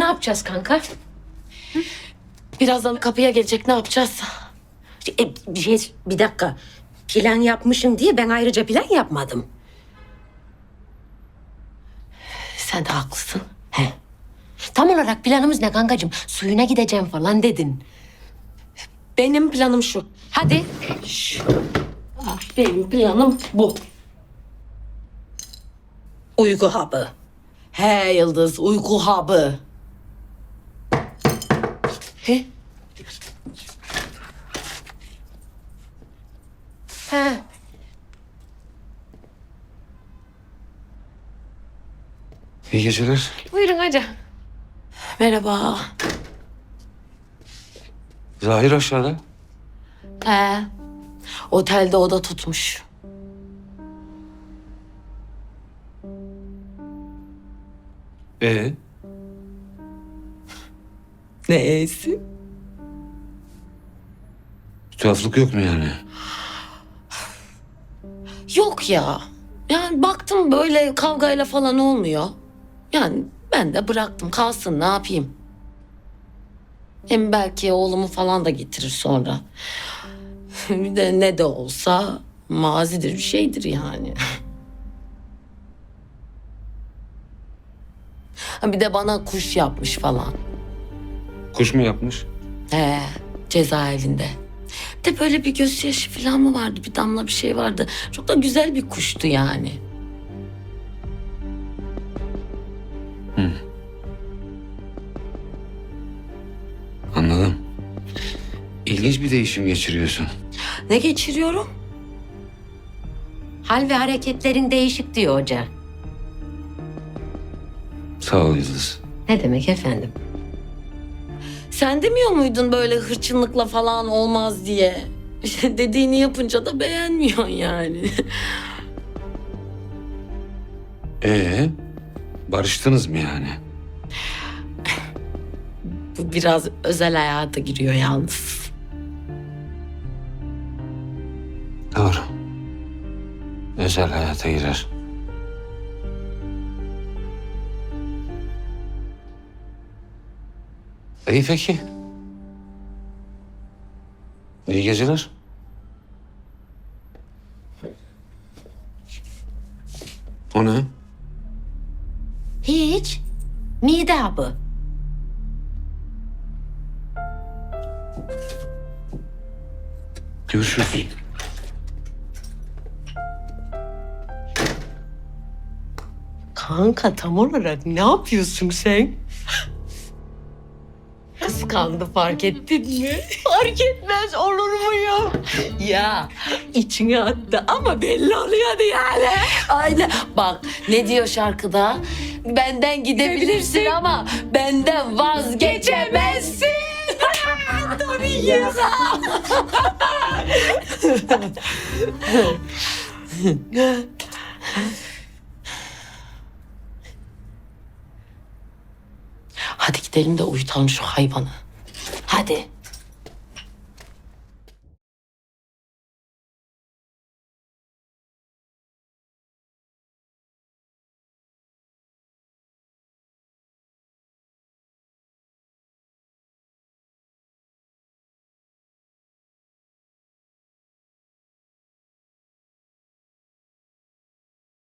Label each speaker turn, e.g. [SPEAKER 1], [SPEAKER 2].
[SPEAKER 1] yapacağız kanka?
[SPEAKER 2] Birazdan kapıya gelecek, ne yapacağız?
[SPEAKER 3] Bir dakika. Plan yapmışım diye ben ayrıca plan yapmadım.
[SPEAKER 2] Sen de haklısın.
[SPEAKER 3] He. Tam olarak planımız ne kankacığım? Suyuna gideceğim falan dedin.
[SPEAKER 2] Benim planım şu.
[SPEAKER 3] Hadi.
[SPEAKER 2] Benim planım bu.
[SPEAKER 3] Uyku hapı.
[SPEAKER 2] He Yıldız, uyku hapı. He?
[SPEAKER 3] He.
[SPEAKER 4] İyi geceler.
[SPEAKER 1] Buyurun hadi.
[SPEAKER 2] Merhaba.
[SPEAKER 4] Zahir aşağıda.
[SPEAKER 2] He. Otelde oda tutmuş.
[SPEAKER 4] Ee,
[SPEAKER 2] Neyse.
[SPEAKER 4] bir tuhaflık yok mu yani?
[SPEAKER 2] Yok ya. Yani baktım böyle kavgayla falan olmuyor. Yani ben de bıraktım kalsın, ne yapayım. Hem belki oğlumu falan da getirir sonra. Bir de ne de olsa mazidir, bir şeydir yani. Ha, bir de bana kuş yapmış falan.
[SPEAKER 4] Kuş mu yapmış?
[SPEAKER 2] He, cezaevinde. Bir de böyle bir gözyaşı falan mı vardı? Bir damla bir şey vardı. Çok da güzel bir kuştu yani.
[SPEAKER 4] Anladım. İlginç bir değişim geçiriyorsun.
[SPEAKER 2] Ne geçiriyorum?
[SPEAKER 3] Hal ve hareketlerin değişik diyor hoca.
[SPEAKER 4] Sağ ol Yıldız.
[SPEAKER 3] Ne demek efendim?
[SPEAKER 2] Sen demiyor muydun böyle hırçınlıkla falan olmaz diye? İşte dediğini yapınca da beğenmiyorsun yani.
[SPEAKER 4] Barıştınız mı yani?
[SPEAKER 2] Bu biraz özel hayata giriyor yalnız.
[SPEAKER 4] Doğru. Özel hayata girer. İyi peki. İyi geceler. O ne?
[SPEAKER 3] Hiç. Mide hapı.
[SPEAKER 4] Görüşürüz.
[SPEAKER 2] Kanka tam olarak ne yapıyorsun sen? Kıskandı, fark ettin mi? Fark etmez olur mu ya? Ya içine attı ama belli oluyordu yani. Aynen. Bak ne diyor şarkıda? Benden gidebilirsin ama benden vazgeçemezsin. Tabii ya. Hadi gidelim de uyutalım şu hayvanı. Hadi.